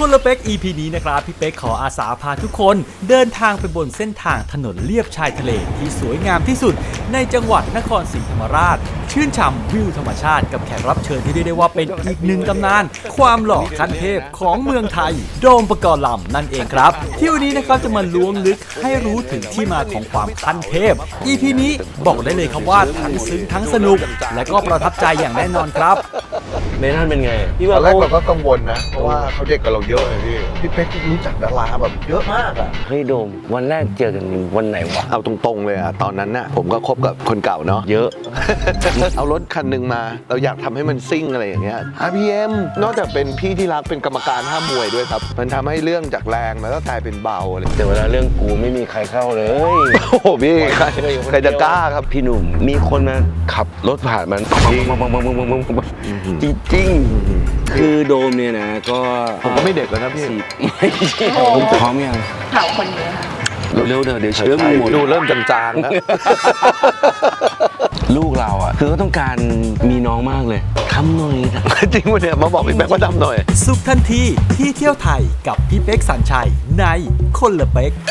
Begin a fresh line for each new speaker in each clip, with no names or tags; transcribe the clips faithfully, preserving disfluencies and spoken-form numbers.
คนละเป็ก อี พี นี้นะครับพี่เป็กขออาสาพาทุกคนเดินทางไปบนเส้นทางถนนเลียบชายทะเลที่สวยงามที่สุดในจังหวัดนครศรีธรรมราชชื่นฉ่ำวิวธรรมชาติกับแขกรับเชิญที่เรียกได้ว่าเป็นอีกหนึ่งตำนานความหล่อขั้นเทพของเมืองไทยโดมปกรณ์ลำนั่นเองครับที่วันนี้นะครับจะมาล้วงลึกให้รู้ถึงที่มาของความขั้นเทพ อี พี นี้บอกได้เลยครับว่าทั้งซึ้งทั้งสนุกและก็ประทับใจอย่างแน่นอนครับ
เมทันเป็นไงพี่
ต
ว่า
อนแรกเราก็กังวลนะเพราะว่าเขาเด็กกับเราเยอะเลยพี่พี่เป๊กรู้จักดาราแบบเยอะมากอ่ะ
เฮ้ยโดมวันแรกเจอกันวันไหนวะ
เอาตรงๆเลยอ่ะตอนนั้นน่ะผมก็คบกับคนเก่าเนาะ
เยอะ
เอารถคันหนึ่งมาเราอยากทำให้มันซิ่งอะไรอย่างเงี้ย อาร์ พี เอ็ม นอกจากเป็นพี่ที่รักเป็นกรรมการห้ามมวยด้วยครับมันทำให้เรื่องจากแรงมันก็กลายเป็นเบาเลย
แต่เวลาเรื่องกูไม่มีใครเข้าเลย
โอ้โหพี่ใครใครจะกล้าครับ
พี่หนุ่มมีคนมาขับรถผ่านมันจริงจริงคือโดมเนี่ยนะก็
ผมก็ไม่เด็กแล้วนะพี่
ผมพร้อมยัง
เผาคนเยอะค่ะ
เร็วๆเดี๋ยวเดี๋ยวเชื้อมึงหมด
ดูเริ่มจางๆแล้ว
ลูกเราอ่ะคือก็ต้องการมีน้องมากเลยทำหน่อย
จริงวะเนี่ยมาบอกพี่แป๊กว่าทำหน่อย
สุขทันทีที่เที่ยวไทยกับพี่เป๊กสัญชัยในคนละเป็ก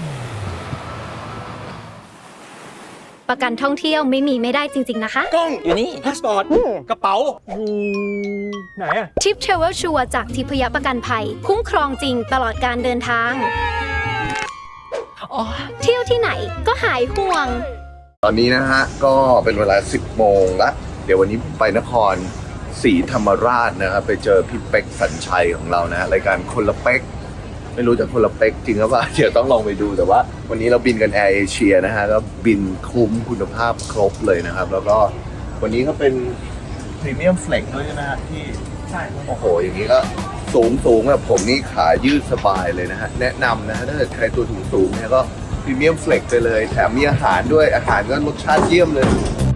ประกันท่องเที่ยวไม่มีไม่ได้จริงๆนะคะ
กล้องอยู่นี่พาสปอร์ตกระเป๋าอยู่ไหนอะ
ทิปเทรเวลชัวร์จากทิพยประกันภัยคุ้มครองจริงตลอดการเดินทางเที่ยวที่ไหนก็หายห่วง
ตอนนี้นะฮะก็เป็นเวลาสิบโมงละเดี๋ยววันนี้ไปนครศรีธรรมราชนะครับไปเจอพี่เป๊กสัญชัยของเรานะฮะรายการคนละเป็กไม่รู้จะคนละเป็กจริงหรือเปล่าเดี๋ยวต้องลองไปดูแต่ว่าวันนี้เราบินกันแอร์เอเชียนะฮะก็บินคุ้มคุณภาพครบเลยนะครับแล้วก็วันนี้ก็เป็นพรีเมียมเฟล็กด้วยนะฮะที่ใช่โอ้โหอย่างนี้ก็สูงสูงแบบผมนี่ขายืดสบายเลยนะฮะแนะนำนะฮะถ้าเกิดใครตัวสูงสูงเนี่ยก็พรีเมียมเฟล็กไปเลยแถมมีอาหารด้วยอาหารก็รสชาติเยี่ยมเลย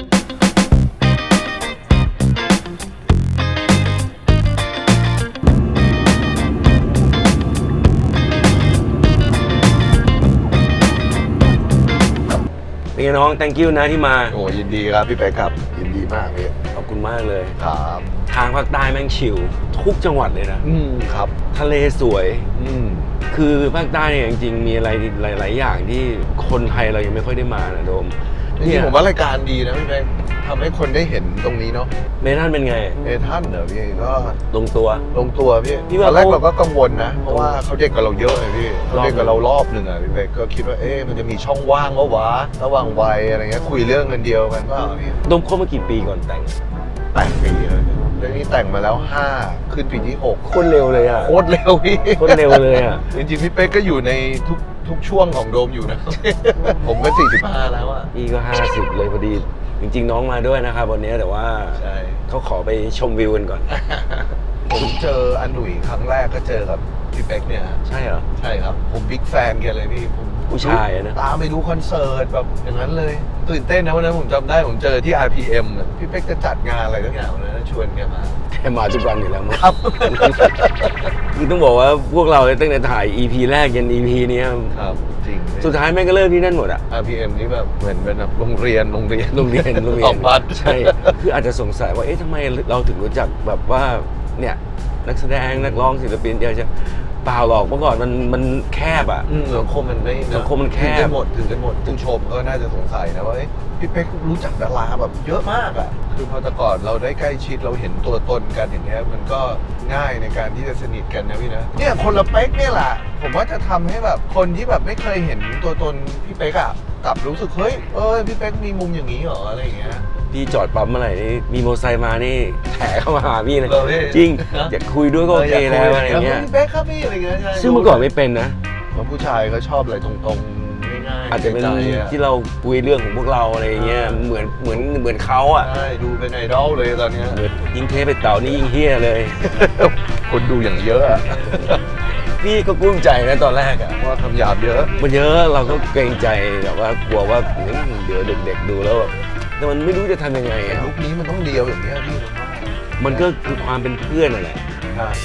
เป็นไงน้อง thank you นะที่มา
โอ้ยินดีครับพี่เป๊กครับยินดีมากเลย
ขอบคุณมากเลย
ครับ
ทางภาคใต้แม่งชิลทุกจังหวัดเลยนะ
อืมครับ
ทะเลสวย
อืม
คือภาคใต้เนี่ยจริงๆมีอะไรหลายๆอย่างที่คนไทยเรายังไม่ค่อยได้มานะโดม
จริงๆผมว่ารายการดีนะพี่เป๊กทำให้คนได้เห็นตรงนี้เนาะ
เมทันเป็นไง
เมทันเหรอพี่ก็
ลงตัว
ลงตัวพี่ตอนแรกเราก็กังวลนะเพราะว่าเขาเด็กกับเราเยอะเลยพี่เขาเด็กกับเรารอบหนึ่งอ่ะพี่เป๊กก็คิดว่าเอ๊ะมันจะมีช่องว่างวะวะระหว่างวัยอะไรเงี้ยคุยเรื่องกันเดียวกันว่าพี่
โดมคบมากี่ปีก่อนแต่ง
แต่งปีเลยเรื่องนี้แต่งมาแล้วห้าขึ้นปีที่หก
โคตรเร็วเลยอ่ะ
โคตรเร็วพี่
โคตรเร็วเลยอ่ะ
จริงๆพี่เป๊กก็อยู่ในทุกทุกช่วงของโดมอยู่นะผมก็สี่สิบห้าแล้วอ่ะ
พี่ก็ห้าสิบเลยพอดีจริงๆน้องมาด้วยนะครับวันนี้แต่ว่าเขาขอไปชมวิวกันก่อน
ผมเจออันหนุ่ยครั้งแรกก็เจอกับพี่เป๊กเนี่ย
ใช่เหรอ
ใช่ครับผมบิ๊กแฟนแกเลยพี่ผม
ผู้ชายนะ
ตามไปดูคอนเสิร์ตแบบอย่างนั้นเลยตื่นเต้นนะวันนั้นผมจำได้ผมเจอที่ อาร์ พี เอ็ม พี่เป๊กจะจัดงานอะไรทุกอย่างวันนั้นชวนแกมา
แกมาทุกวันอยู่แล้วมั้ง
ครับ
คือต้องบอกว่าพวกเราตั้งแต่ถ่าย อี พี แรกยัน อี พี นี้
ครับจริง
สุดท้ายแม่งก็เริ่มที่นั่นหมดอะ
อาร์ พี เอ็ม นี่แบบเหมือนเป็นแบบโรงเรียนโรงเรียน
โรงเรียนโรงเรียน
ของวัด
ใช่คืออาจจะสงสัยว่าเอ๊ะทำไมเราถึงรู้จักแบบว่าเนี่ยนักแสดงนักร้องศิลปินเยอะจะเปล่าหรอกเมื่อก่อนมันมันแคบอ่ะ
สังคมมันไม่
สังคมมันแคบ
ถึงกันหมดถึงกันหมดผู้ชมก็น่าจะสงสัยนะว่าพี่เป๊กรู้จักดาราแบบเยอะมากอ่ะคือพอแต่ก่อนเราได้ใกล้ชิดเราเห็นตัวตนกันอย่างเงี้ยมันก็ง่ายในการที่จะสนิทกันนะพี่นะเนี่ยคนละเป๊กเนี่ยแหละผมว่าจะทำให้แบบคนที่แบบไม่เคยเห็นตัวตนพี่เป๊กอ่ะกลับรู้สึกเฮ้ยเออพี่เป๊กมีมุมอย่างนี้เหรออะไรอย่างเงี้ย
พี่จอดปั๊มเมื่อไหร่นี่มีมอเตอร์ไซค์มานี่แถเข้ามาหาพี่เลยจริงอยากคุยด้วยก็โอเคแล้วอะไรเงี้ย
พี่เป๊กครับพี่อะไรเงี้ย
ซึ่งเมื่อก่อนไม่เป็นนะ
เพราะผู้ชายก็ชอบอะไรตรงๆง่ายๆ
อาจจะเป็นที่เราคุยเรื่องของพวกเราอะไรเงี้ยเหมือนเหมือนเหมือนเขาอ่ะ
ใช่ดูเป็นไอดอลเลยตอนนี้
ยิ่งเทปไปเต่านี่ยิ่งเฮี้ยเลย
คนดูอย่างเยอะ
พี่ก็กุ้มใจนะตอนแรกอะ
ว่าคำหยาบเยอะ
มันเยอะเราก็เกรงใจแบบว่ากลัวว่าเดี๋ยวเด็กๆดูแล้วแบบแต่มันไม่รู้จะทำยังไงอะ
ยุคนี้มันต้องเดียวอย่างนี้พี่
มันก็คือความเป็นเพื่อนนั่นแหละ
ใช่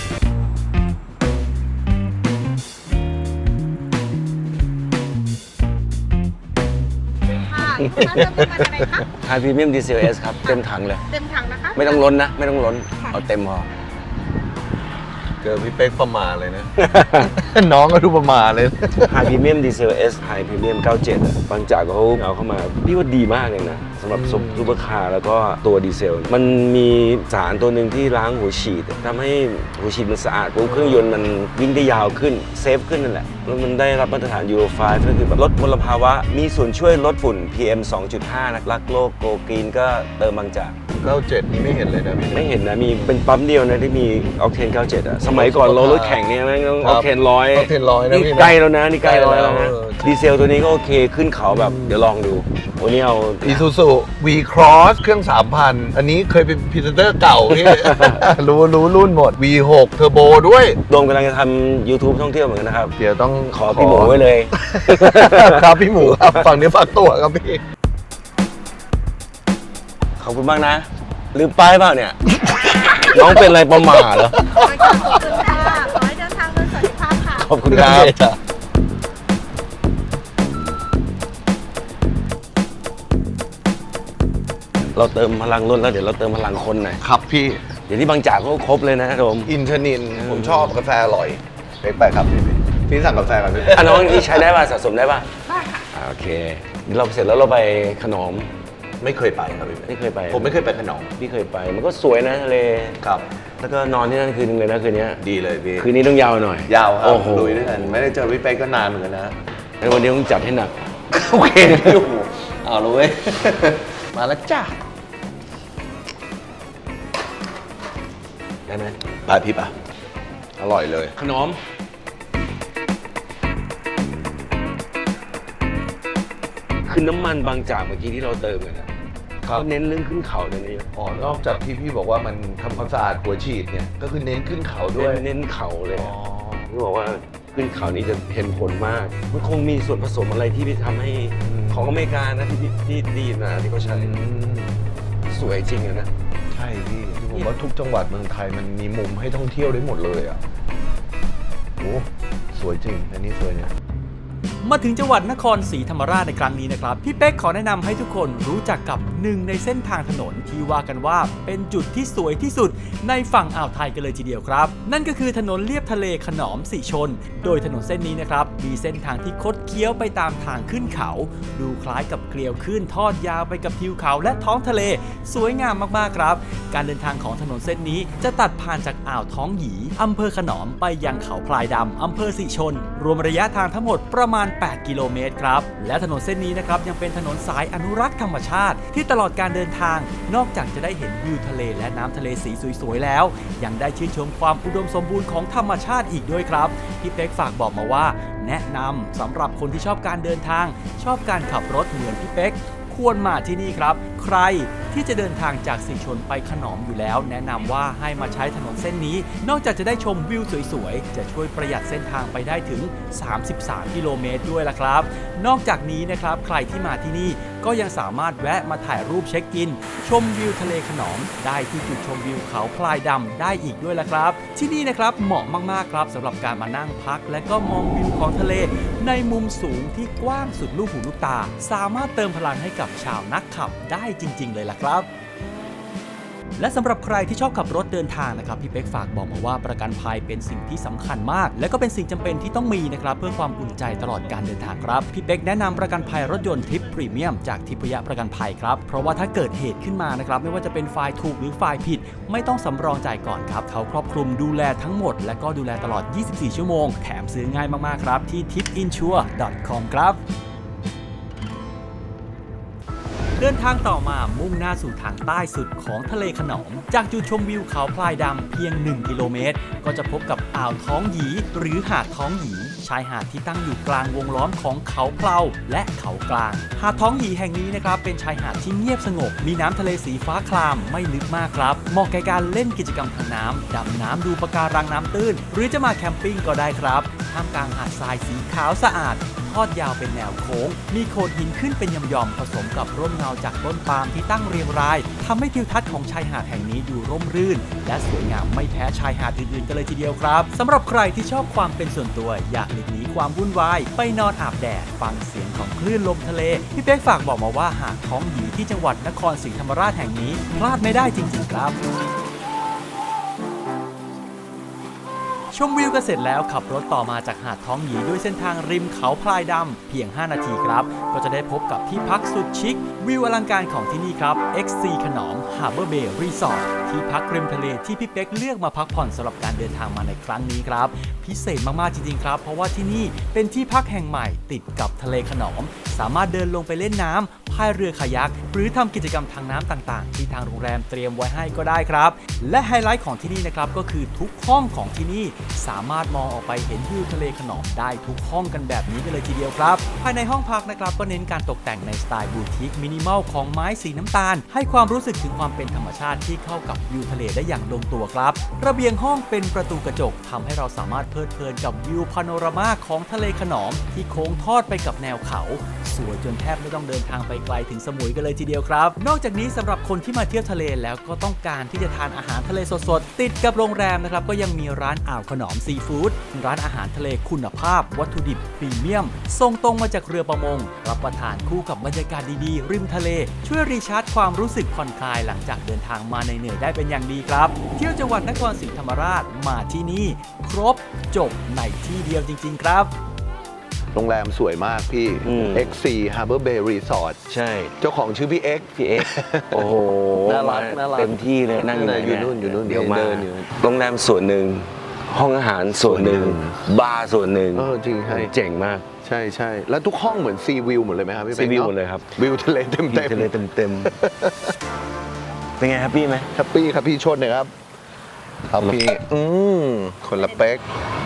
ทานพรีเมียมดีเซลเอสครับเต็มถังเลย
เต็มถังนะคะ
ไม่ต้องล้นนะไม่ต้องล้นเอาเต็มพอ
เจอพี่เป๊กประมาเลยนะ น้องก็ดูประมาเลย
High Premium Diesel S High Premium เก้าสิบเจ็ดอะบางจากเขาเอาเข้ามาพี่ว่าดีมากเลยนะสำหรับซุปซุปเปอร์คาร์แล้วก็ตัวดีเซล มันมีสารตัวหนึ่งที่ล้างหัวฉีดทำให้หัวฉีดมันสะอาดปุ๊บเครื่องยนต์มันวิ่งได้ยาวขึ้นเซฟขึ้นนั่นแหละแล้วมันได้รับมาตรฐาน ยูโร ไฟว์ ก็คือแบบลดมลภาวะมีส่วนช่วยลดฝุ่น พี เอ็ม สองจุดห้า นะรักโลกโกกรีนก็เติมบางจาก
เก้าสิบเจ็ดนี่ไม่เห็นเลยนะพี่
ไม่เห็นนะมีเป็นปั๊มเดียวนะที่มีออกเทนเก้าสิบเจ็ดอะสมัยก่อนเรารถแข่งเนี่ยแม่งต้องออกเทนร้อย
ออกเทนร้อยนะ
นี่
พี่นะ
ใกล้แล้วนะนี่ใกล้ร้อยแล้วนะ
เออ
ดีเซลตัวนี้ก็โอเคขึ้นเขาแบบเดี๋ยวลองดูวันนี้เอา
อีซูซูวีครอสเครื่อง สามพัน อันนี้เคยเป็นพรีเซนเตอร์เก่าพี่ รู้รู้รุ่นหมด วี หก เทอร์โบด้วย
โดมกำลังจะทำ YouTube ท่องเที่ยวเหมือนกันนะครับ
เดี๋ยวต้อง
ขอพี่หมูไว้เลย
ครับพี่หมูครับฝั่งนี้ฝากตัวครับพี่
ขอบคุณมากนะลืมป้ายเปล่าเนี่ย น้องเป็นอะไรประมาทเหรอ
ขอบคุณค่ะ ขอให้เดินทางโดยสวัสดิภาพค่ะ
ขอบคุณครับ เราเติมพลังรถแล้วเดี๋ยวเราเติมพลังคนหน่อย
ครับพี่
เดี๋ยวที่บางจากเขาครบเลยนะโดม
อินทนิน ผมชอบกาแฟอร่อยเป๊กไปครับพี่พี่สั่งกาแฟกันพี่
อ่ะน้องนี่ใช้ได้ป่ะสะสมได้ป่ะได้ค่ะโอเคเดี๋ยวเราเสร็จแล้วเราไปขนอม
ไม่เคยไปครับพี่
ไม่เคยไป
ผมไม่เคยไปขนม
พี่เคยไป มันก็สวยนะทะเล
ครับ
แล้วก็นอนที่นั่นคืนนึงเลยนะคืนนี้
ดีเลยพี่
คืนนี้ต้องยาวหน่อย
ยาวครับ
โอ้โห
ลุยด้วยกันไม่ได้เจอพี่เป๊กก็นานเหมือนกันนะ
แล้ววันนี้ต้องจัดให้หนัก
โอเคพี่หมูเอาเลย มาแล้วจ้า
ได้ไหม
ไปพี่ปะอร่อยเลย
ขนมคือน้ำมันบางจากเมื่อกี้ที่เราเติมกันนะเขาเน้นเรื่องขึ้นเขาเนี่ยนะ
อ๋อนอกจากที่พี่บอกว่ามันทำความสะอาดหัวฉีดเนี่ยก็คือเน้นขึ้นเขาด้วย
เน้นเขาเลย
อ๋อ
เขาบอกว่าขึ้นเขานี้จะเห็นผลมาก มันคงมีส่วนผสมอะไรที่ไปทำให้ของอเมริกานะที่ที่ดีนะที่เขาใช้
อืม
สวยจริงอะนะ
ใช่พี่ผมว่าทุกจังหวัดเมืองไทยมันมีมุมให้ท่องเที่ยวได้หมดเลยอ่ะโอ้สวยจริงอันนี้สวยเนี่ย
มาถึงจังหวัดนครศรีธรรมราชในครั้งนี้นะครับพี่เป๊กขอแนะนำให้ทุกคนรู้จักกับหนึ่งในเส้นทางถนนที่ว่ากันว่าเป็นจุดที่สวยที่สุดในฝั่งอ่าวไทยกันเลยทีเดียวครับนั่นก็คือถนนเลียบทะเลขนอมสีชน โดยถนนเส้นนี้นะครับมีเส้นทางที่คดเคี้ยวไปตามทางขึ้นเขา ดูคล้ายกับเกลียวขึ้นทอดยาวไปกับทิวเขาและท้องทะเลสวยงามมากๆครับการเดินทางของถนนเส้นนี้จะตัดผ่านจากอ่าวท้องหยีอำเภอขนอมไปยังเขาพลายดำอำเภอสีชน รวมระยะทางทั้งหมดประมาณแปดกิโลเมตรครับและถนนเส้นนี้นะครับยังเป็นถนนสายอนุรักษ์ธรรมชาติที่ตลอดการเดินทางนอกจากจะได้เห็นวิวทะเลและน้ำทะเลสีสวยๆแล้วยังได้ชื่นชมความอุดมสมบูรณ์ของธรรมชาติอีกด้วยครับพี่เป๊กฝากบอกมาว่าแนะนำสำหรับคนที่ชอบการเดินทางชอบการขับรถเหมือนพี่เป๊กควรมาที่นี่ครับใครที่จะเดินทางจากสีชนไปขนอมอยู่แล้วแนะนำว่าให้มาใช้ถนนเส้นนี้นอกจากจะได้ชมวิวสวยๆจะช่วยประหยัดเส้นทางไปได้ถึงสามสิบสามกิโลเมตรด้วยล่ะครับนอกจากนี้นะครับใครที่มาที่นี่ก็ยังสามารถแวะมาถ่ายรูปเช็คอินชมวิวทะเลขนอมได้ที่จุดชมวิวเขาพลายดำได้อีกด้วยล่ะครับที่นี่นะครับเหมาะมากๆครับสำหรับการมานั่งพักและก็มองวิวของทะเลในมุมสูงที่กว้างสุดลูกหูลูกตาสามารถเติมพลังให้กับชาวนักขับได้จริงๆเลยล่ะครับและสำหรับใครที่ชอบขับรถเดินทางนะครับพี่เป๊กฝากบอกมาว่าประกันภัยเป็นสิ่งที่สำคัญมากและก็เป็นสิ่งจำเป็นที่ต้องมีนะครับเพื่อความอุ่นใจตลอดการเดินทางครับพี่เป๊กแนะนำประกันภัยรถยนต์ทิปพรีเมียมจากทิพยประกันภัยครับเพราะว่าถ้าเกิดเหตุขึ้นมานะครับไม่ว่าจะเป็นฝ่ายถูกหรือฝ่ายผิดไม่ต้องสำรองจ่ายก่อนครับเขาครอบคลุมดูแลทั้งหมดและก็ดูแลตลอดยี่สิบสี่ชั่วโมงแถมซื้อง่ายมากๆครับที่ ทิปอินชัวร์ ดอท คอม ครับเดินทางต่อมามุ่งหน้าสู่ทางใต้สุดของทะเลขนอมจากจุดชมวิวเขาพลายดำเพียงหนึ่งกิโลเมตรก็จะพบกับอ่าวท้องหยีหรือหาดท้องหยีชายหาดที่ตั้งอยู่กลางวงล้อมของเขาเพลาและเขากลางหาดท้องหยีแห่งนี้นะครับเป็นชายหาดที่เงียบสงบมีน้ำทะเลสีฟ้าครามไม่ลึกมากครับเหมาะแก่การเล่นกิจกรรมทางน้ำดำน้ำดูปะการังน้ำตื้นหรือจะมาแคมปิ้งก็ได้ครับท่ามกลางหาดทรายสีขาวสะอาดทอดยาวเป็นแนวโค้งมีโขดหินขึ้นเป็นย่อมๆผสมกับร่มเงาจากต้นปาล์มที่ตั้งเรียงรายทำให้ทิวทัศน์ของชายหาดแห่งนี้ดูร่มรื่นและสวยงามไม่แพ้ชายหาดอื่นๆกันเลยทีเดียวครับสำหรับใครที่ชอบความเป็นส่วนตัวอยากหลีกหนีความวุ่นวายไปนอนอาบแดดฟังเสียงของคลื่นลมทะเลพี่เป๊กฝากบอกมาว่าหาดท้องหยีที่จังหวัดนครศรีธรรมราชแห่งนี้พลาดไม่ได้จริงๆครับชมวิวกันเสร็จแล้วขับรถต่อมาจากหาดท้องหยีด้วยเส้นทางริมเขาพลายดำเพียงห้านาทีครับก็จะได้พบกับที่พักสุดชิควิวอลังการของที่นี่ครับ เอ็กซ์ ซี ขนอม Harbor Bay Resort ที่พักริมทะเลที่พี่เป๊กเลือกมาพักผ่อนสำหรับการเดินทางมาในครั้งนี้ครับพิเศษมากๆจริงๆครับเพราะว่าที่นี่เป็นที่พักแห่งใหม่ติดกับทะเลขนอมสามารถเดินลงไปเล่นน้ำพายเรือคายักหรือทำกิจกรรมทางน้ำต่างๆที่ทางโรงแรมเตรียมไว้ให้ก็ได้ครับและไฮไลท์ของที่นี่นะครับก็คือทุกห้องของที่นี่สามารถมองออกไปเห็นวิวทะเลขนอมได้ทุกห้องกันแบบนี้กันเลยทีเดียวครับภายในห้องพักนะครับก็เน้นการตกแต่งในสไตล์บูติกมินิมอลของไม้สีน้ำตาลให้ความรู้สึกถึงความเป็นธรรมชาติที่เข้ากับวิวทะเลได้อย่างลงตัวครับระเบียงห้องเป็นประตูกระจกทำให้เราสามารถเพลิดเพลินกับวิวพาโนรามาของทะเลขนอมที่โค้งทอดไปกับแนวเขาสวยจนแทบไม่ต้องเดินทางไปไกลถึงสมุยกันเลยทีเดียวครับนอกจากนี้สำหรับคนที่มาเที่ยวทะเลแล้วก็ต้องการที่จะทานอาหารทะเลสดๆติดกับโรงแรมนะครับก็ยังมีร้านอ่าวขนอมซีฟู้ดร้านอาหารทะเลคุณภาพวัตถุดิบพรีเมียมส่งตรงมาจากเรือประมงรับประทานคู่กับบรรยากาศดีๆริมทะเลช่วยรีชาร์จความรู้สึกผ่อนคลายหลังจากเดินทางมาในเหนื่อยได้เป็นอย่างดีครับเที่ยวจังหวัดนครศรีธรรมราชมาที่นี่ครบจบในที่เดียวจริงๆครับ
โรงแรมสวยมากพี่
อืม
เอ็กซ์ ซี Harbor Bay Resort
ใช่
เจ้าของชื่อพี่ X
พี่เอ็กโอ้โห
น่ารักน่ารัก
เต็มที่เลยนั่งอยู่ไหน
อยู่นู่นอยู่นู่น
เดี๋ยวมา
เดินอยู่
โรงแรมส่วนหนึ่งห้องอาหารส่วนหนึ่ง
ส่วนหนึ่ง
บาร์ส่วนหนึ่ง
เออจริงใช่
เจ๋งมาก
ใช่ใช่แล้วทุกห้องเหมือนซีวิวหมดเลยไหมครับพี่
ซี
ป๊ก
วิว
นาะ
หมดเลยครับ
วิวทะเลเต็ม
วิว
เต็ม
ทะเลเต็มเต็มๆเป็นไงแฮปปี้ไหม
แฮปปี้ครับพี่ชดหน่อยครับครับพี่อืมคนละเป๊ก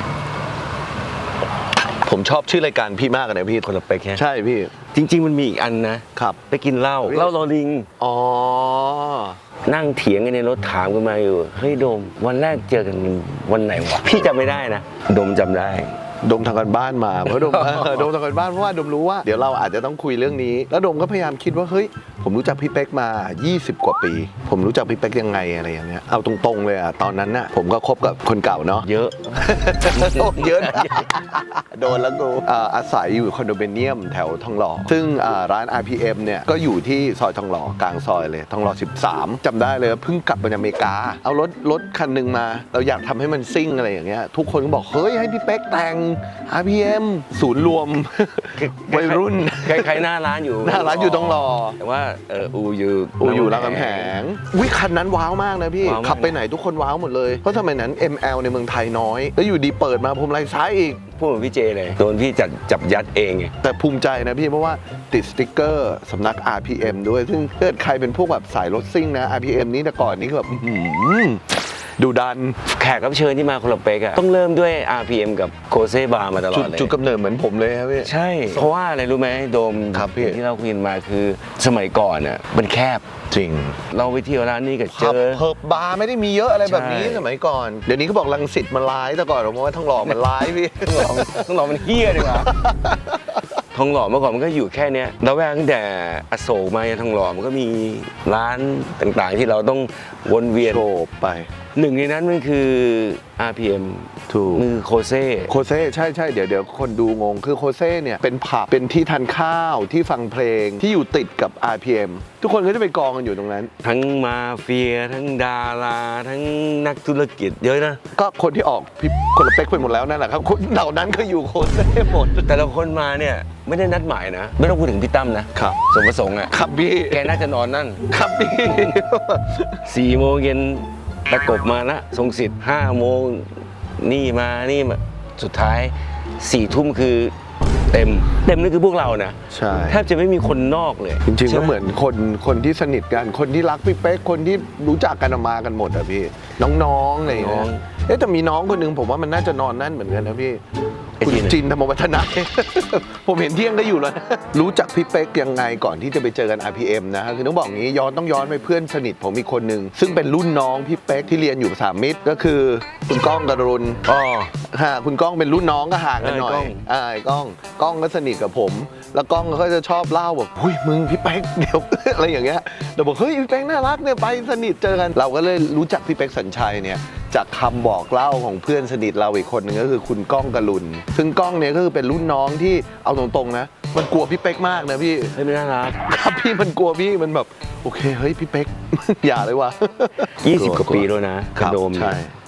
ผมชอบชื่อรายการพี่มากเลยนะพี่
คนละเป๊กแค่
ใช่พี่
จริง ๆ มันมีอีกอันนะครับ ไปกินเหล้าเหล้าลอลิง
อ๋อ
นั่งเถียงกันในรถถามกันมาอยู่เฮ้ยโดมวันแรกเจอกันวันไหนวะพี่จำไม่ได้นะโดมจำได้
ดมทางการบ้านมาเพราะดม ดมทางการบ้านเพราะว่าดมรู้ว่าเดี๋ยวเราอาจจะต้องคุยเรื่องนี้ แล้วดมก็พยายามคิดว่าเฮ้ยผมรู้จักพี่เป๊กมายี่สิบกว่าปี ผมรู้จักพี่เป๊กยังไงอะไรอย่างเงี้ยเอาตรงๆเลยอ่ะตอนนั้นน่ะผมก็คบกับคนเก่าเนาะ
เยอะ
โอ้เยอะนะโดนแล้วกูอ่าอาศัยอยู่คอนโดมิเนียมแถวทองหล่อซึ่งอ่าร้าน อาร์ พี เอ็ม เนี่ยก็อยู่ที่ซอยทองหล่อกลางซอยเลยทองหล่อสิบสามจำได้เลยว่าเพิ่งกลับมาจากอเมริกาเอารถรถคันหนึ่งมาเราอยากทำให้มันซิ่งอะไรอย่างเงี้ยทุกคนก็บอกเฮ้ยให้พี่เป๊กแต่ง อาร์ พี เอ็ม ศูนย์รวม วัยรุ่น
ใครๆหน้าร้านอยู่
หน้าร้านอยู่ทองหล่อ
แต่ว่าเอออูอยู่
อูอยู่รามคำแหงวิคันนั้นว้าวมากนะพี่
ว้าวมาก
ขับไปไหนทุกคนว้าวหมดเลย เพราะสมัยนั้น เอ็ม แอล ในเมืองไทยน้อย แล้วอยู่ดีเปิดมาพรมลายซ้ายอีก
พูดเหมือนพี่เจเลยโดนพี่จับจับยัดเองไง
แต่ภูมิใจนะพี่ เพราะว่าติดสติ๊กเกอร์สำนัก อาร์ พี เอ็ม ด้วย ซึ่งถ้าเกิดใครเป็นพวกแบบสายรถซิ่งนะ อาร์ พี เอ็ม นี้แต่ก่อนนี้คือแบบอื้อหือดูดัน
แขกรับเชิญที่มาคนละเป๊กอะต้องเริ่มด้วย อาร์ พี เอ็ม กับโคเซบาร์มาตลอ
จุ
ด
ด
เลย
จุดกำเนิดเหมือนผมเลยครับพี่
ใช่ เพราะว่าอะไรรู้ไหมโดม
ครับพี่
ที่เราคุยกันมาคือสมัยก่อนอะมันแคบ
จริง
เราไปเที่ยวร้านนี้ก็เจ
ผับ
อ
เพิบบาร์ไม่ได้มีเยอะอะไรแบบนี้
ใช่
สมัยก่อน เดี๋ยวนี้เขาบอกรังสิตมันร้ายแต่ก่อนผมว่าทั้งหล่อมันร้ายพี่
ต้องหล่อต้องหล่อมันเฮี้ยดีกว่าทองหล่อเมื่อก่อนมันก็อยู่แค่เนี้ยแล้วแวกตั้งแต่อโศกมาทองหล่อมันก็มีร้านต่างๆ ที่เราต้องวนเวียน
โฉบไป
หนึ่งในนั้นมันคือ อาร์ พี เอ็ม
ถูก
มือโคเซ่
โคเซ่ใช่ใช่เดี๋ยวเดี๋ยวคนดูงงคือโคเซ่เนี่ยเป็นผับเป็นที่ทานข้าวที่ฟังเพลงที่อยู่ติดกับ อาร์ พี เอ็ม ทุกคนก็จะไปกองกันอยู่ตรงนั้น
ทั้งมาเฟีย ทั้งดารา ทั้งนักธุรกิจเยอะนะ
ก็คนที่ออกพี่คนละเป๊กไปหมดแล้วนั่นแหละครับคนเหล่านั้นก็อยู่โคเซ่หมด
แต่ละคนมาเนี่ยไม่ได้นัดหมายนะ ไม่ต้องพูดถึงพี่ตั้มนะครับ สมประสงค์อ่ะ
ครับพี่
แกน่าจะนอนนั่น
ครับพี่
สี่โมงเย็นตะกบมาละทรงสิทธิ์ห้าโมงนี่มานี่มาสุดท้ายสี่ทุ่มคือเต็มเต็มนี่คือพวกเรานะ
ใช่
แทบจะไม่มีคนนอกเลย
จริงๆ
ใช่
ก็
ไ
เหมือนคนคนที่สนิทกันคนที่รักพี่เป๊กคนที่รู้จักกันมากันหมดอะพี่น้องๆอะไรอย่างเงี้ยเอ๊ะแต่มีน้องคนหนึงผมว่ามันน่าจะนอนนั่นเหมือนกันนะพี่
ไอ้
คุณ
จีน
จินธรรมวัฒนะ ผมเห็นเที่ยงได้อยู่แล้วนะรู้จักพี่เป๊กยังไงก่อนที่จะไปเจอกัน อาร์ พี เอ็ม นะคือต้องบอกงี้ย้อนต้องย้อนไปเพื่อนสนิทผมมีคนหนึ่งซึ่งเป็นรุ่นน้องพี่เป๊กที่เรียนอยู่สามมิตรก็คือคุณก้องกรุณ
อ๋อ
ฮะคุณก้องเป็นรุ่นน้องก็ห่างกันหน่อย
เออก้อง
อ่าไอ้ก้องก้องก็สนิทกับผม แล้วก้องก็จะชอบเล่าแบบหุ้ยมึงพี่เป๊กเดี๋ยว อะไรอย่างเงี้ยเราบอกเฮ้ยพี่เป๊กน่ารักเนี่ยไปสนิทเจอกันเราก็เลยรู้จักพี่เป๊กสัญชัยเนี่ยจากคำบอกเล่าของเพื่อนสนิทเราอีกคนหนึ่งก็คือคุณก้องกรุณซึ่งก้องเนี่ยก็คือเป็นรุ่นน้องที่เอาตรงๆนะมันกลัวพี่เป๊กมากนะพี่
เฮ้ยไม่น่ารัก
ครับพี่มันกลัวพี่มันแบบโอเคเฮ้ยพี่เป๊ก อย่าเลยว่ะ
ยี่สิบกว่าปีแล้วนะ
ค
ก
รั
ระ
บ
โดมเนี่
ใช่
ย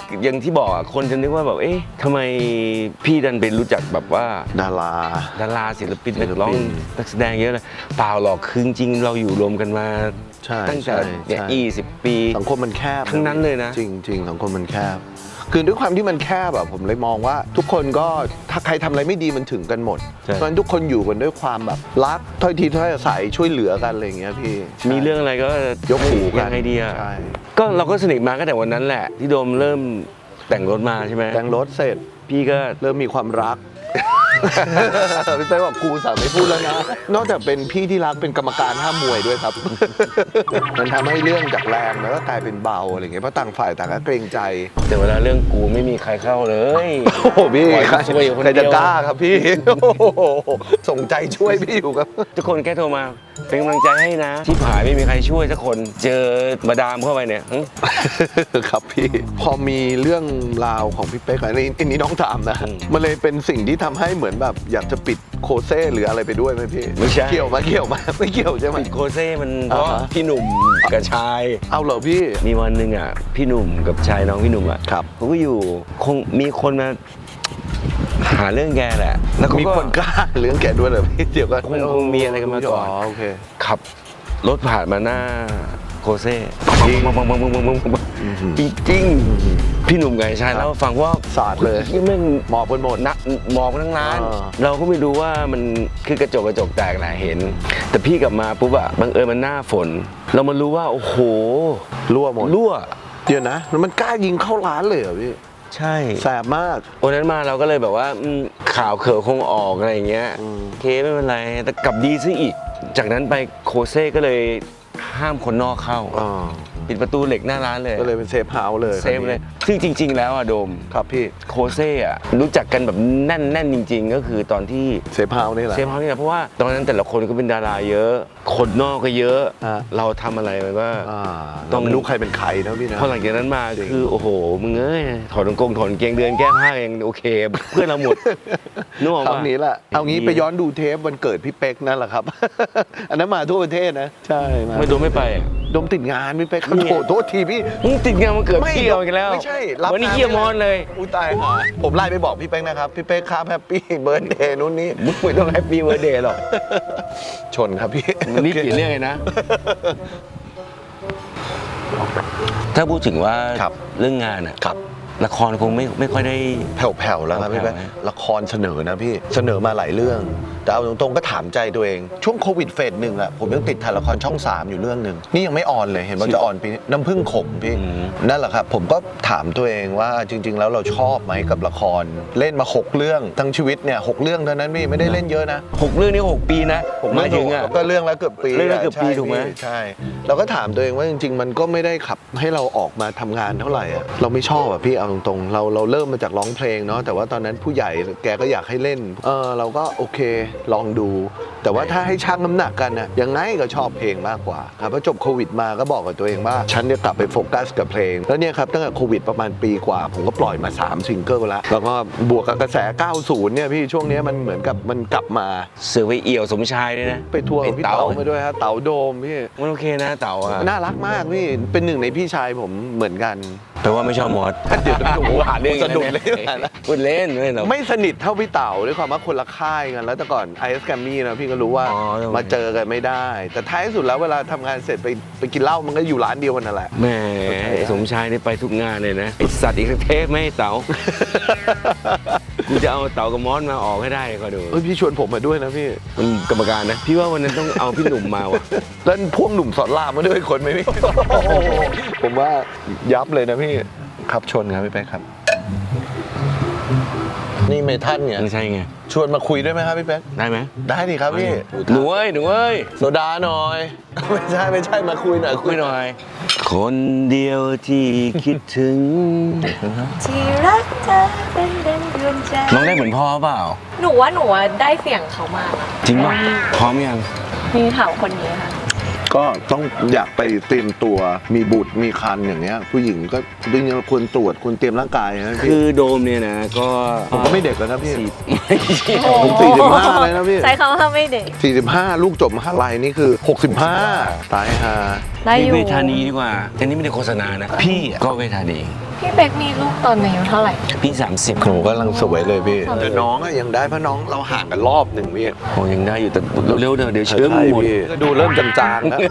อย่างที่บอกอะคนจะนึกว่าแบบเอ๊ะทำไมพี่ดันเป็นรู้จักแบบว่า
ดารา
ดาราศิลปินนักร้องนักแสดงเยอะเลยเปล่าหรอกคือจริงๆเราอยู่รวมกันมา
ใช่
ตั้งแต่
ใช่
เนี่ย
ใช่
ยี่สิบปี
สังคมมันแคบ
ทั้งนั้นเลยนะ
จริงจริงสังคมมันแคบ คือด้วยความที่มันแคบแบบผมเลยมองว่า ทุกคนก็ถ้าใครทำอะไรไม่ดีมันถึงกันหมด
ใช่
เพราะฉะนั้นทุกคนอยู่กันด้วยความแบบรักถ้อยทีถ้อยอาศัยช่วยเหลือกันอะไรอย่างเงี้ยพี่
มีเรื่องอะไรก็
ยกหูกัน
ยังไงดีอะ
ใช่
ก็เราก็สนิทมาตั้งแต่วันนั้นแหละ ที่โดมเริ่มแต่งรถมาใช่ไหม
แต่งรถเสร็จ
พี่ก็
เริ่มมีความรัก พี่เป้บอกครูสั่งไม่พูดแล้วนะ นอกจากเป็นพี่ที่รักเป็นกรรมการห้ามมวยด้วยครับ มันทำให้เรื่องจากแรงแล้วก็กลายเป็นเบาอะไรอย่างเงี้ยเพราะต่างฝ่ายต่างก็เกรงใจ
แต่เวลาเรื่องกูไม่มีใครเข้าเลย
โอ้โหพี่
ปล่อย
ใคร
ช่วยอยู่คน
ใคร
เดี
จะ
ยว
กล้าครับพี่ โอ้โหส่งใจช่วยพี่อยู่ครับ
ทุกคนแค่โทรมาเป็นกำลังใจให้นะ ที่ผายไม่มีใครช่วยสักคนเจอมาดามเข้าไปเนี่ยหึ
ครับพี่ พอมีเรื่องราวของพี่เป๊กอันนี้อันนี้น้องถามนะ
อืม
มันเลยเป็นสิ่งที่ทำให้เหมือนแบบอยากจะปิดโคเซ่หรืออะไรไปด้วยไหมพี่
ไม่ใช่
เกี่ยวมาเกี่ยวมาไม่เกี่ยวใช่ไหม
ปิดโคเซ่มันเพราะ
อ่าฮะ
พี่หนุ่มกับชาย
เอาเหรอพี่
มีวันหนึ่งอ่ะพี่หนุ่มกับชายน้องพี่หนุ่มอ่ะ
ครับ
เขาก็อยู่คงมีคนมาหาเรื่องแกแหละ แล้วเขา
มี
ก็
คนกล้าเรื่องแกด้วยเหรอพี่เดี๋ยวก็
คงคงมีอะไรกันมาก่อน
อ๋อโอเค
ขับรถผ่านมาหน้าโคเซ่
จริง
ปังปังปังปังปังปังปังปัง
อื้อหือ
จริงๆพี่หนุ่มกับชาย
ครับ
เล่าให้ฟังว่า
สาดเลย
ที่แม่ง
หมอบกันหมด
นักหมอบทั้งร้าน
อ่า
เราก็ไม่รู้ว่ามันคือกระจกกระจกแตกแหละเห็น แต่พี่กลับมาปุ๊บอะบังเอิญมันหน้าฝน เรามารู้ว่าโอ้โห
รั่วหมด
รั่ว
เดี๋ยวนะแล้วมันกล้ายิงเข้าร้านเลยเหรอพี่
ใช่
แสบมาก
วันนั้นมาเราก็เลยแบบว่าอืมข่าวเขือคงออกอะไรอย่างเงี้ย
อืม
โอเคไม่เป็นไรแต่กลับดีซะอีก จากนั้นไปโคเซ่ก็เลยห้ามคนนอกเข้า
อ๋อ
ปิดประตูเหล็กหน้าร้านเลย
ก็เลยเป็นเซฟเฮาส์เลย
เซฟเลย ซึ่งจริง ๆ แล้วอะโดม
ครับพี่
โคเซ่อะรู้จักกันแบบแน่นแน่นจริง ๆ ก็คือตอนที่
เซฟเฮาส์นี่แหละ
เซฟเฮาส์นี่แหละเพราะว่าตอนนั้นแต่ละคนก็เป็นดาราเยอะ คนนอกก็เยอะ
ฮะ
เราทำอะไรมันก็
อ่า
ต้
ต้
อ
อง งไม่รู้ใครเป็นใครนะพี่นะ
พอหลังจากนั้นมา
จริง
คือโอ้โหมึงเอ้ยถอดกางเกงถอดกางเกงเดินแก้ผ้าเองโอเค เพื่อนเราหมดนึกออก
คราว
ปะ
นี้แหละเอางี้ไปย้อนดูเทปวันเกิดพี่เป๊กนั่นแหละครับ อันนั้นมาทั่วประเทศนะ ใช่มา
ไม่โดนไม่ไปอะ
ดมติดงานพี่เป๊ก
นี่
โทษโทษทีพี่
มึงติดงานมันเกิด
ไม่
พี่เอาอีกแล้ว
ไม่ใช่รับ
วันนี้
งาน
เยี่ยมมอนเลย
อุ้ยตายค่ะผมไล่ไปบอกพี่เป๊กนะครับ พี่เป๊กครับแฮปปี้เบิร์ดเดย์นู่นนี่
มึงไม่ต้องแฮปปี้เวอร์เดย์หรอก
ชนครับพี่
วันนี้เปลี่ยนเรื่องเลยนะ ถ้าพูดถึงว่า
ครับ
เรื่องงานอะ
ครับ
ละครคงไม่ไม่ค่อยได้
แผ่วๆแล้วครับพี่
แผ่
เป๊ก
วๆ
ละครเสนอนะพี่เสนอมาหลายเรื่อง แต่เอาตรงๆก็ถามใจตัวเอง ช่วงโควิดเฟสหนึ่งอะผมยังติดถ่ายละครช่องสามอยู่เรื่องหนึ่งนี่ยังไม่ออนเลยเห็นว่าจะออนปีนี้น้ำผึ้งขมพี่
อืม
นั่นแหละครับ ผมก็ถามตัวเองว่าจริง ๆ แล้วเราชอบไหมกับละคร เล่นมาหกเรื่องทั้งชีวิตเนี่ยหกเรื่องเท่านั้นพี่ไม่ได้เล่นเยอะนะ
หกเรื่องนี้หกปีนะผมหมายถึงอะ
ก็เรื่องละเกือบปี
เรื่องละเกือบปี
ใช่
ถูกไหม
พี่ใช่ เราก็ถามตัวเองว่าจริง ๆ มันก็ไม่ได้ขับให้เราออกมาทำงานเท่าไหร่อะเราไม่ชอบอะพี่เอาตรงๆเราเราเริ่มมาจากร้องเพลงเนาะแต่ว่าตอนนั้นผู้ใหญ่แกก็อยากให้เล่นเออเราก็โอเคลองดู แต่ว่าถ้าให้ชั่งน้ำหนักกันนะยังไงก็ชอบเพลงมากกว่าครับพอจบโควิดมาก็บอกกับตัวเองว่าฉันจะกลับไปโฟกัสกับเพลงแล้วเนี่ยครับตั้งแต่โควิดประมาณปีกว่า ผมก็ปล่อยมาสามซิงเกิลแล้วแล้วก็บวกกับกระแส เก้าสิบ เนี่ยพี่ช่วงเนี้ยมันเหมือนกับมันกลับมา
เสือไปเอี่ยวสมชายด้วยนะ
ไปทัวร์กับพี่
ไอ้
เต๋า
เต๋า
มาด้วยฮะเต๋าโดมพี่
มันโอเคนะเต๋าอะ
น่ารักมากพี่ เป็นหนึ่งในพี่ชายผมเหมือนกัน
แปลว่าไม่ชอบมอส
เดี๋ยวโอ้โห
หาเรื่อง
สนุกเลย
พูดเล่นไม่หรอก
ไม่สนิทเท่าพี่เต๋าด้วยความว่าคนละค่ายกันแล้วแต่ก่อน ไอ เอส Grammy นะพี่ก็รู้ว่า
อ๋อทำไม
มาเจอกันไม่ได้ แต่ท้ายสุดแล้วเวลาทำงานเสร็จไปไปกินเหล้ามันก็อยู่ร้านเดียวกันนั่นแหละ
แหม่ไอ้สมชายนี่ไปทุกงานเลยนะไอสัตว์อีกสักเทปไม่ให้เต๋า กูจะเอาเต๋ากับมอสมาออกให้ได้ก็ดู
เฮ้ยพี่ชวนผมมาด้วยนะพี่
มันกรรมการนะ พี่ว่าวันนั้นต้องเอาพี่หนุ่มมาว่ะ
แล้วพ่วงหนุ่มสอนรามมาด้วยคนไหมพี่ ผมว่ายับเลยนะพี่ครับชนครับพี่แป๊กครับ นี่เมทัลเนี่ย
ไม่ใช่ไง
ชวนมาคุยด้วยไหมครับพี่แป๊ก
ได้ไหม
ได้ดิครับพี่
หนูเอ้ยหนูเอ้ย
โซดาหน่อย ไม่ใช่ไม่ใช่มาคุยหน่อย
คุยหน่อย คนเดียวที่คิดถึง
ที่รักเธอเป็นดังดวงใจ
น้องได้เหมือนพ่อเปล่า
หนูว่าหนูอะได้เสียงเขามากอะ
จริงป่ะพร้อมยัง
มีถามคนนี้ค่ะ
ก็ต้องอยากไปเตรียมตัวมีบุตรมีคันอย่างเงี้ย ผู้หญิงก็จริงๆควรตรวจควรเตรียมร่างกายนะ
คื
พี่
อโดมเนี่ยนะก็
ผมก็ไม่เด็กแล้วนะพี่
สี่ไม่ใช่
ผมสี่สิบห้าเลยนะพี่
ใช้คำว่าไม่เด็ก
สี่สิบห้าลูกจบมหาลัยนี่คือหกสิบห้าตายฮา
ได้อยู่
เวทานีดีกว่าอันนี้ไม่ได้โฆษณานะ พี่อะก็เวทานี
พี่เป๊กมีลูกตอนอายุเท่าไหร่
พี่สามสิบ
หนูกำลังสวยเลยพี่แต่น้องอะยังได้เพราะน้องเราห่างกันรอบหนึ่งพี่
โอ้ยังได้อยู่แต่เร็วๆเดี๋ยวเดี๋ยวเชื้อมัน
ใช่
หมด
พี่ดูเริ่มจางๆแล้ว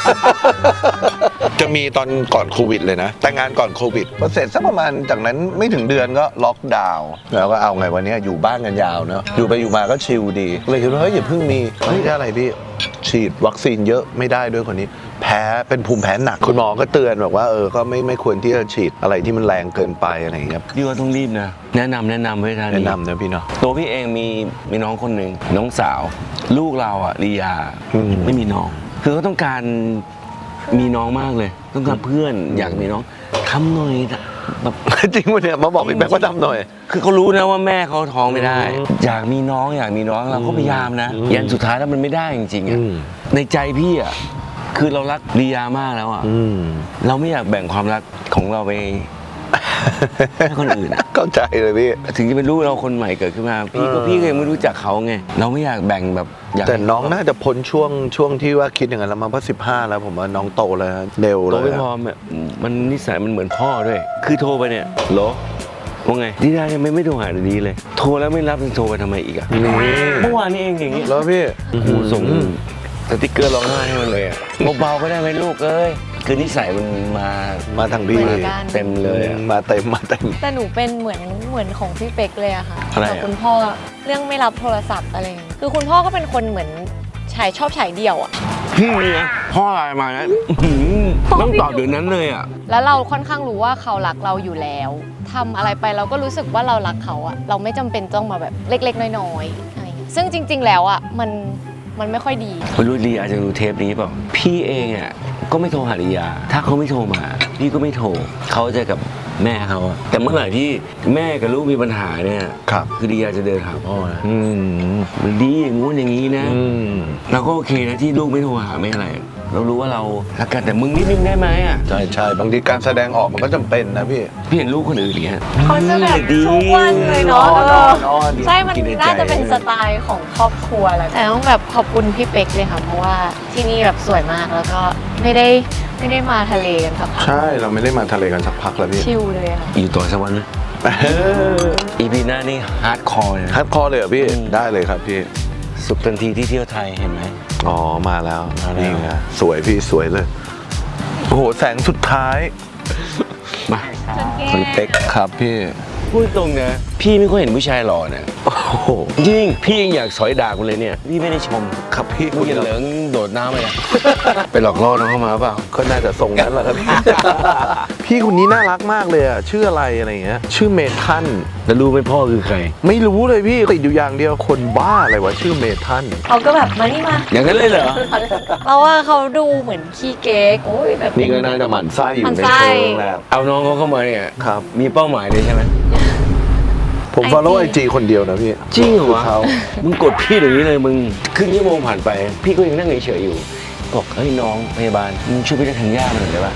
จะมีตอนก่อนโควิดเลยนะ แต่งงานก่อนโควิดพอเสร็จสักประมาณจากนั้นไม่ถึงเดือนก็ล็อกดาวน์แล้วก็เอาไงวันนี้อยู่บ้านกันยาวเนอะอยู่ไปอยู่มาก็ชิลดีเลยคิดว่าเฮ้ยอย่าเพิ่งมีเฮ้ยอะไรพี่ฉีดวัคซีนเยอะไม่ได้ด้วยคนนี้ แพ้เป็นภูมิแพ้หนักคุณหมอก็เตือนบอกว่าเออก็ไม่ไม่ควรที่จะฉีดอะไรที่มันแรงเกินไปอะไรอย่างเงี้ย
พี่ว่าต้องรีบนะ แนะนำแนะนำไว้ทาง
แนะนำนะพี่เนาะ
ตัวพี่เองมีมีน้องคนหนึ่งน้องสาว ลูกเราอ่ะลียา
อืม
ไม่มีน้อง คือเขาต้องการมีน้องมากเลย ต้องการเพื่อนอยากมีน้องทำหน่อยแบบ
จริงวะเนี่ยมาบอกพี่แบ๊กว่าทำหน่อย
คือเขารู้นะว่าแม่เขาท้องไม่ได้
อืม
อยากมีน้องอยากมีน้องเราก็พยายามนะ
อืม
ยันสุดท้ายแล้วมันไม่ได้จริงๆอ่ะ
อืม
ในใจพี่อ่ะคือเรารักลียามากแล้วอ่ะ
อืม
เราไม่อยากแบ่งความรักของเราไป ให้คนอื่นอะ
เข้าใจเลยพี่
ถึงจะเป็นลูกเราคนใหม่เกิดขึ้นมา พี่ก็
เออ
พี่ก็ยังไม่รู้จักเขาไงเราไม่อยากแบ่งแบบอยาก
แต่
ให้
น้องน่าจะพ้นช่วงช่วงที่ว่าคิดอย่างนั้นแล้วมาเพราะสิบห้าแล้วผมว่าน้องโตแล้วเร็ว
โต
เลย
ไม่
อะ
พอแบบมันนิสัยมันเหมือนพ่อด้วย คือโทรไปเนี่ยโหลว่าไงดีได้ไม่ไม่โทรหาดีเลย โทรแล้วไม่รับจะโทรไปทำไมอีกอะ
นี่
เมื่อวานนี้เองอย่างงี้
แล้วพี่
โอ้โหส่งสติ๊กเกอร์ร้องไห้ให้มันเลยอะเบาๆก็ได้ไหมลูกเอ้ยคือนิสัยมันมา
มาทางพี่
เหมือนกัน
เต็มเลยอะ
มาเต็มมาเต็ม
แต่หนูเป็นเหมือนเหมือนของพี่เป๊กเลยอะค่ะ
อะไรอะ
กับคุณพ่อเรื่องไม่รับโทรศัพท์อะไรอย่างเงี้ยคือคุณพ่อก็เป็นคนเหมือนฉายชอบฉายเดี่ยวอะ
พี่เนี่ยพ่ออะไรมานะอื้อหือต้องตอบเดี๋ยวนั้นเลยอะ
แล้วเราค่อนข้างรู้ว่าเขารักเราอยู่แล้วทำอะไรไปเราก็รู้สึกว่าเรารักเขาอะเราไม่จำเป็นต้องมาแบบเล็กๆน้อยๆอะไรอย่างเงี้ยซึ่งจริง ๆ แล้วอะมันมันไม่ค่อยดี
ไม่รู้ลีอาจจะดูเทปนี้เปล่าพี่เองอ่ะก็ไม่โทรหาลียา ถ้าเขาไม่โทรมา พี่ก็ไม่โทรเขาจะกับแม่เขาอะแต่เมื่อไหร่ที่แม่กับลูกมีปัญหาเนี่ย
ครับ
คือลียาจะเดินหาพ่อนะ
อืม
มันดีอย่างงู้นอย่างนี้นะ
อืม
เราก็โอเคนะที่ลูกไม่โทรหาไม่อะไร เรารู้ว่าเรารักกันแต่มึงนิดนึงได้ไหมอ่ะ
ใช่ใช่บางทีการแสดงออกมันก็จำเป็นนะพี่
พี่เห็นลูกคนอื่นอย่างเงี้ย
เขาจะแบบ
ดี
ทุกวันเลยเนาะ
นอน
เออ
นอน
ใช่มัน
กินในใจ
น่าจะเป็นสไตล์ของครอบครัวแหละแต่ต้องแบบขอบคุณพี่เป๊กเลยค่ะเพราะว่าที่นี่แบบสวยมากแล้วก็ไม่ได้ไม่ได้มาทะเลกันสักพัก
ใช่เราไม่ได้มาทะเลกันสักพักแล้วพี่
ชิลเลยค่ะ
อยู่ต่อสักวันนะอีพีหน้านี่ฮาร์ดคอร์เลยนะ
ฮัดคอเลยเหรอพี่
อืม
ได้เลยครับพี่
สุขทันทีที่เที่ยวไทยเห็นไหม
อ๋อมาแล้ว
มาแล้ว
นี่ไงสวยพี่สวยเลย โอ้โหแสงสุดท้าย
มาคุณเป๊ก
ครับพี่
พูดตรงนะพี่ไม่ค่อยเห็นผู้ชายหล่อนะ
โอ้โห
จริงพี่ยังอยากสอยดากกูเลยเนี่ยพี่ไม่ได้ชม
ครับพี่
มึงอย่าเหลืองโดดน้ำไปอะ ไปหลอกล่อน้องเข้ามาเปล่า
ก็น่าจะทรงนั้นแหละครับพี่ พี่คนนี้น่ารักมากเลยอ่ะชื่ออะไรอะไรอย่างเงี้ยชื่อเมทัน
แล้วรู้ไหมพ่อคือใคร
ไม่รู้เลยพี่ติดอยู่อย่างเดียวคนบ้าอะไรวะชื่อเมทัน
เขาก็แบบมานี่มา
อย่างนั้นเลยเหรอ
เพราะว่าเขาดูเหมือนขี้เก๊กโอ้ยแบบ
นี่ก็น่าจะหมั่นไส้อยู่
หมั่
ใน
นไส้
เชิงแหละ
เอาน้องเขาเข้ามาเนี่ย
ครับ
มีเป้าหมายเลยใช่ไหม
ผม follow ไอจีคนเดียวนะพี่
จริงเหรอวะ
เขา
มึงกดพี่เดี๋ยวนี้เลยมึงครึ่งชั่วโมงผ่านไป พี่ก็ยังนั่งเฉยๆอยู่บอกเฮ้ยน้องพยาบาลมึงช่วยพี่ได้ทางย่ามาหน่อยได้ปะ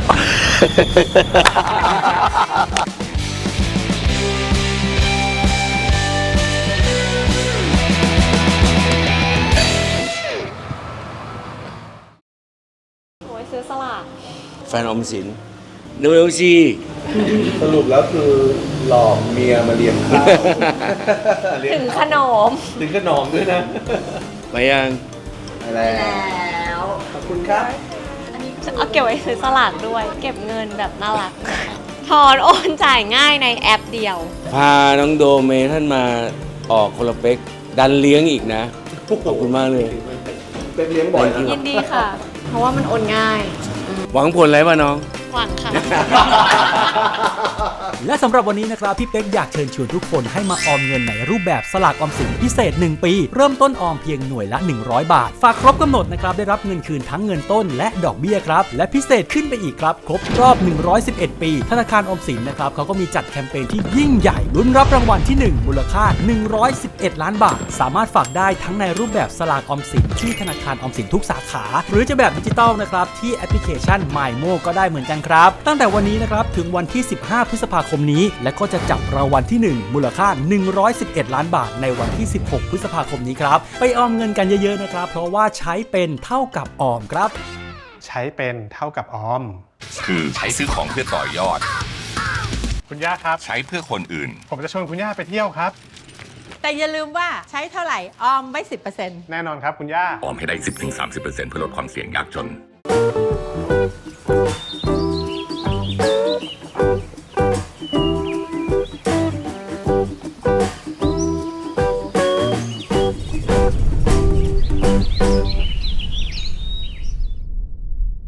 โอ้ยซื้อสลาก
แฟนออมสินเร็วๆสิ
สรุปแล้วคือหลอกเมียมาเลี้ยงข้าว
ถึงขนม
ถึงขนมด้วยนะ
ไปยัง
แล้วขอบคุณครับอันนี้เอาเก็บไว้ซื้อสลากด้วย เก็บเงินแบบน่ารัก ถอนโอนจ่ายง่ายในแอปเดียว
พาน้องโดเมท่านมาออกคนละเป๊กดันเลี้ยงอีกนะขอบคุณมากเลย
เป็นเลี้ยงบ่อยนะ
ยินดีค่ะ เพราะว่ามันโอนง่าย
หวังผลอะไรป่ะน้อง
หวังค่ะ
และสำหรับวันนี้นะครับพี่เป๊กอยากเชิญชวนทุกคนให้มาออมเงินในรูปแบบสลากออมสินพิเศษหนึ่งปี เริ่มต้นออมเพียงหน่วยละหนึ่งร้อยบาท ฝากครบกำหนดนะครับได้รับเงินคืนทั้งเงินต้นและดอกเบี้ยครับและพิเศษขึ้นไปอีกครับครบรอบหนึ่งร้อยสิบเอ็ดปีธนาคารออมสินนะครับเขาก็มีจัดแคมเปญที่ยิ่งใหญ่ลุ้นรับรางวัลที่หนึ่งมูลค่าหนึ่งร้อยสิบเอ็ดล้านบาทสามารถฝากได้ทั้งในรูปแบบสลากออมสินที่ธนาคารออมสินทุกสาขา หรือจะแบบดิจิตอลนะครับที่แอปพลิเคชัน มายโม ก็ได้เหมือนกันครับตั้งแต่วันนี้นะครับถึงวันที่สิบห้าพฤษภาคมนี้และก็จะจับรางวัลที่หนึ่งมูลค่าหนึ่งร้อยสิบเอ็ดล้านบาทในวันที่สิบหกพฤษภาคมนี้ครับไปออมเงินกันเยอะๆนะครับเพราะว่าใช้เป็นเท่ากับออมครับ
ใช้เป็นเท่ากับออม
คือใช้ซื้อของเพื่อต่อยอด
คุณย่าครับ
ใช้เพื่อคนอื่น
ผมจะชวนคุณย่าไปเที่ยวครับ
แต่อย่าลืมว่าใช้เท่าไหร่ออมไว้ สิบเปอร์เซ็นต์
แน่นอนครับคุณย่า
ออมให้ได้ สิบถึงสามสิบเปอร์เซ็นต์ เพื่อลดความเสี่ยงยากจน